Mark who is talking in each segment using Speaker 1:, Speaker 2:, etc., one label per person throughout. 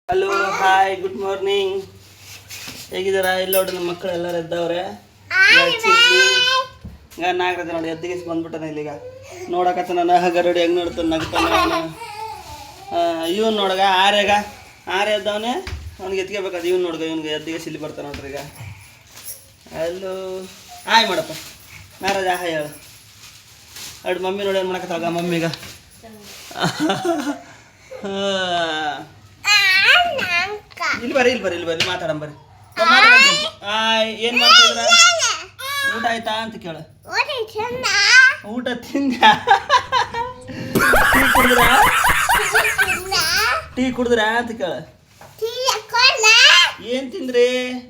Speaker 1: Hello hi good morning. ಹೇಗಿದ್ದಾರಾ? ಇಲ್ಲಿ ನೋಡಿ ನಮ್ಮ ಮಕ್ಕಳು ಎಲ್ಲರೂ ಎದ್ದವ್ರೆ. ಈಗ ನಾಗರಾಜ ನೋಡಿ ಎದ್ದಿಗೆ ಬಂದ್ಬಿಟ್ಟಾನೆ ಇಲ್ಲಿಗ ನೋಡಕತ್ತ ನಾನು ಗರಡಿ ಹೆಂಗೆ ನೋಡ್ತಾನೆ ನಗ್ತಾನೆ. ಇವನು ನೋಡಗ ಆರೆ ಎದ್ದವನೇ ಅವ್ನಿಗೆ ಎತ್ಕೋಬೇಕಾದ ಇವ್ನು ನೋಡ್ಗ ಇವ್ನಿಗೆ ಎದ್ದಿಗೆ ಸಿಲ್ಲಿ ಬರ್ತಾನೆ ನೋಡ್ರಿ. ಈಗ ಅಲ್ಲೂ ಹಾಯ್ ಮಾಡಪ್ಪ ನಾಗರಾಜ ಹಾಯ್ ಹೇಳು. ಅಡ್ ಮಮ್ಮಿ ನೋಡಿ ಏನು ಮಾಡಕತ್ತಾಗ ಮಮ್ಮಿಗ ಇಲ್ಲಿ ಬರ್ರಿ ಮಾತಾಡಂ ಬರ್ರಿ. ಏನು ಮಾಡ್ತಿದ್ರ? ಊಟ ಆಯ್ತಾ ಅಂತ ಕೇಳ. ಊಟ ತಿಂದ? ಟೀ ಕುಡಿದ್ರ ಅಂತ ಕೇಳ. ಏನ್ ತಿಂದ್ರಿ?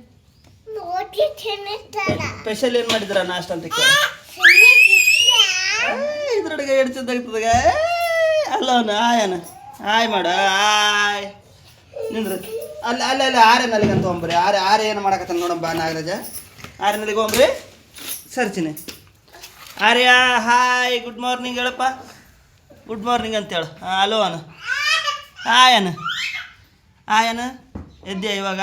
Speaker 1: ಸ್ಪೆಷಲ್ ಏನ್ ಮಾಡಿದ್ರ ನಾಷ್ಟ ಅಂತ ಕೇಳ. ಇದ್ರೊಳಗೆ ಎಡ್ತಿದ್ದಾಗ್ತದಾಗ ಅಲ್ಲವನ ಆಯನ ಆಯ್ ಮಾಡ ಆಯ್ ನಿಂದ್ರ ಅಲ್ಲಿ ಆರೆನಲ್ಲಿಗೆ ಅಂತ ಹೋಗ್ರಿ. ಆರೆ ಏನು ಮಾಡಕತ್ತಾನ ನೋಡಮ್ಮ ನಾಗರಾಜ. ಆರೆನಲ್ಲಿಗೆ ಹೋಗ್ರಿ ಸರ್ಚಿನಿ. ಆರ್ಯ ಹಾಯ್ ಗುಡ್ ಮಾರ್ನಿಂಗ್ ಹೇಳಪ್ಪ. ಗುಡ್ ಮಾರ್ನಿಂಗ್ ಅಂತೇಳು. ಹಲೋ ಅನು ಆಯನ ಎದ್ದೆ ಇವಾಗ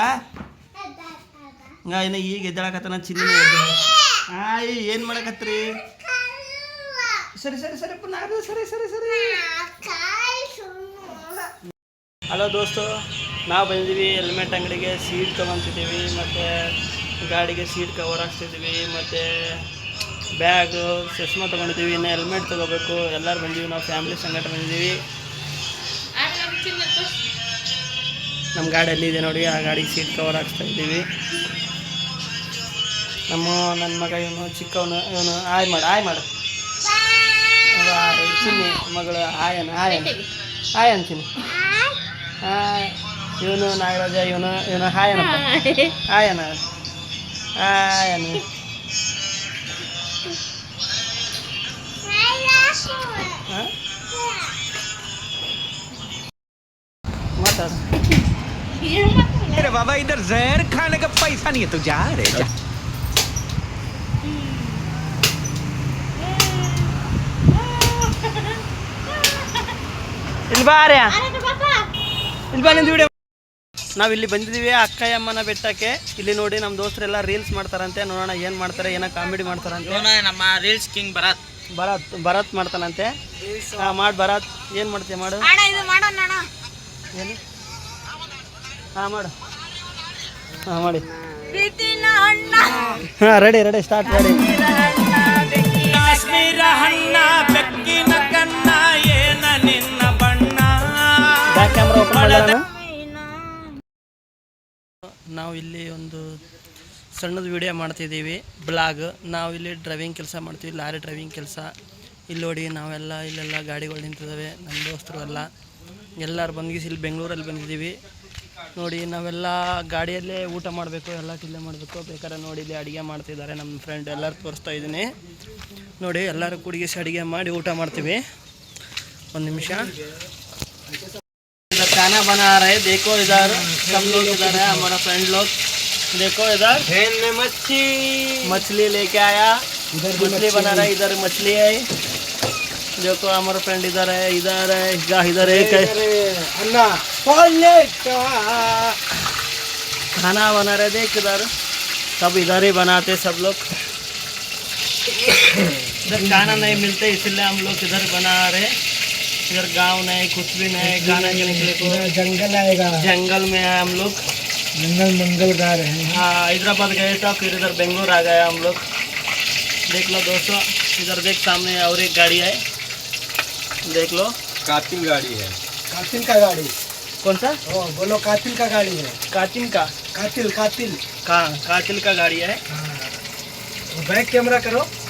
Speaker 1: ಇನ್ನು ಈಗ ಎದ್ದೇಳಕತ್ತಾನ. ಚಿನ್ನಿ ಎದ್ದೆ. ಹಾಯ್ ಏನು ಮಾಡಕತ್ರಿ? ಸರಿ ನಾಗರಾಜ ಸರಿ. ಹಲೋ ದೋಸ್ತು, ನಾವು ಬಂದಿದ್ದೀವಿ ಹೆಲ್ಮೆಟ್ ಅಂಗಡಿಗೆ ಸೀಟ್ ತೊಗೊತಿದ್ದೀವಿ, ಮತ್ತು ಗಾಡಿಗೆ ಸೀಟ್ ಕವರ್ ಹಾಕ್ತಿದ್ದೀವಿ, ಮತ್ತು ಬ್ಯಾಗು ಚಶ್ಮಾ ತೊಗೊಂಡಿದ್ದೀವಿ. ಇನ್ನು ಹೆಲ್ಮೆಟ್ ತೊಗೋಬೇಕು. ಎಲ್ಲರೂ ಬಂದೀವಿ, ನಾವು ಫ್ಯಾಮಿಲಿ ಸಂಗಟ ಬಂದಿದ್ದೀವಿ. ನಮ್ಮ ಗಾಡಿಯಲ್ಲಿ ಇದೆ ನೋಡಿ, ಆ ಗಾಡಿಗೆ ಸೀಟ್ ಕವರ್ ಹಾಕ್ಸ್ತಾ ಇದ್ದೀವಿ. ನನ್ನ ಮಗ ಇವನು ಚಿಕ್ಕವನು ಆಯ್ ಮಾಡು ಚಿನ್ನಿ ಮಗಳು ಆಯನ್ ಚಿನ್ನಿ. ಇವನು ನಾಗರಾಜ ಇವನು ಹಾಯನಪ್ಪ ಆಯನ ಮಾತಾಡ.
Speaker 2: बाबा इधर जहर खाने का पैसा नहीं है तो जा रे जा.
Speaker 1: ನಾವಿಲ್ಲಿ ಬಂದಿದ್ದೀವಿ ಅಕ್ಕಯ್ಯಮ್ಮನ ಬೆಟ್ಟಕ್ಕೆ. ಇಲ್ಲಿ ನೋಡಿ ನಮ್ಮ ದೋಸ್ತರೆಲ್ಲ ರೀಲ್ಸ್ ಮಾಡ್ತಾರಂತೆ. ನೋಡೋಣ ಏನು ಮಾಡ್ತಾರೆ, ಏನೋ ಕಾಮಿಡಿ ಮಾಡ್ತಾರಂತೆ.
Speaker 3: ನಮ್ಮ ರೀಲ್ಸ್ ಕಿಂಗ್
Speaker 1: ಭರತ್ ಮಾಡ್ತಾನಂತೆ. ಮಾಡಿ ಭರತ್ ಏನು ಮಾಡ್ತೀಯ ಮಾಡು. ಏನು ಮಾಡು ಮಾಡಿ. Ready start ready. Back camera open ಮಾಡೋಣ. ನಾವು ಇಲ್ಲಿ ಒಂದು ಸಣ್ಣದು ವಿಡಿಯೋ ಮಾಡ್ತಿದ್ದೀವಿ, ಬ್ಲಾಗ್. ನಾವು ಇಲ್ಲಿ ಡ್ರೈವಿಂಗ್ ಕೆಲಸ ಮಾಡ್ತೀವಿ, ಲಾರಿ ಡ್ರೈವಿಂಗ್ ಕೆಲಸ. ಇಲ್ಲಿ ನೋಡಿ ನಾವೆಲ್ಲ ಇಲ್ಲೆಲ್ಲ ಗಾಡಿಗಳು ನಿಂತಿದ್ದಾವೆ. ನಮ್ಮ ದೋಸ್ತರು ಎಲ್ಲರೂ ಬಂದಿಸಿ ಇಲ್ಲಿ ಬೆಂಗಳೂರಲ್ಲಿ ಬಂದಿದ್ದೀವಿ. ನೋಡಿ ನಾವೆಲ್ಲ ಗಾಡಿಯಲ್ಲೇ ಊಟ ಮಾಡಬೇಕು, ಎಲ್ಲ ಇಲ್ಲೇ ಮಾಡಬೇಕು. ಬೇಕಾದ್ರೆ ನೋಡಿ ಇಲ್ಲಿ ಅಡುಗೆ ಮಾಡ್ತಿದ್ದಾರೆ ನಮ್ಮ ಫ್ರೆಂಡ್. ಎಲ್ಲರೂ ತೋರಿಸ್ತಾ ಇದ್ದೀನಿ ನೋಡಿ. ಎಲ್ಲರೂ ಕುಡಿಗಿಸಿ ಅಡುಗೆ ಮಾಡಿ ಊಟ ಮಾಡ್ತೀವಿ. ಒಂದು ನಿಮಿಷ. इधर खाना बना रहे, देखो इधर सब लोग इधर है, हमारा फ्रेंड लोग. देखो इधर मछली लेके आया, मछली बना रहा है. इधर मछली है, देखो हमारा फ्रेंड इधर है एक खाना बना रहे. देख इधर सब इधर ही बनाते सब लोग. इधर खाना नहीं मिलते इसलिए हम लोग इधर बना रहे. इधर गांव नहीं, कुछ भी नहीं. खाना के निकले तो
Speaker 3: जंगल आएगा,
Speaker 1: जंगल में है हम लोग.
Speaker 3: मंगल गा रहे हैं.
Speaker 1: हाँ, हैदराबाद गए था, फिर इधर बेंगलोर आ गया हम लोग. देख लो दोस्तों, इधर देख सामने और एक गाड़ी है, देख लो.
Speaker 2: कातिल गाड़ी है.
Speaker 3: कातिल का गाड़ी.
Speaker 1: कौन सा?
Speaker 3: बोलो कातिल का गाड़ी है.
Speaker 1: कातिल का
Speaker 3: कातिल
Speaker 1: गाड़ी है.
Speaker 3: बैक कैमरा करो.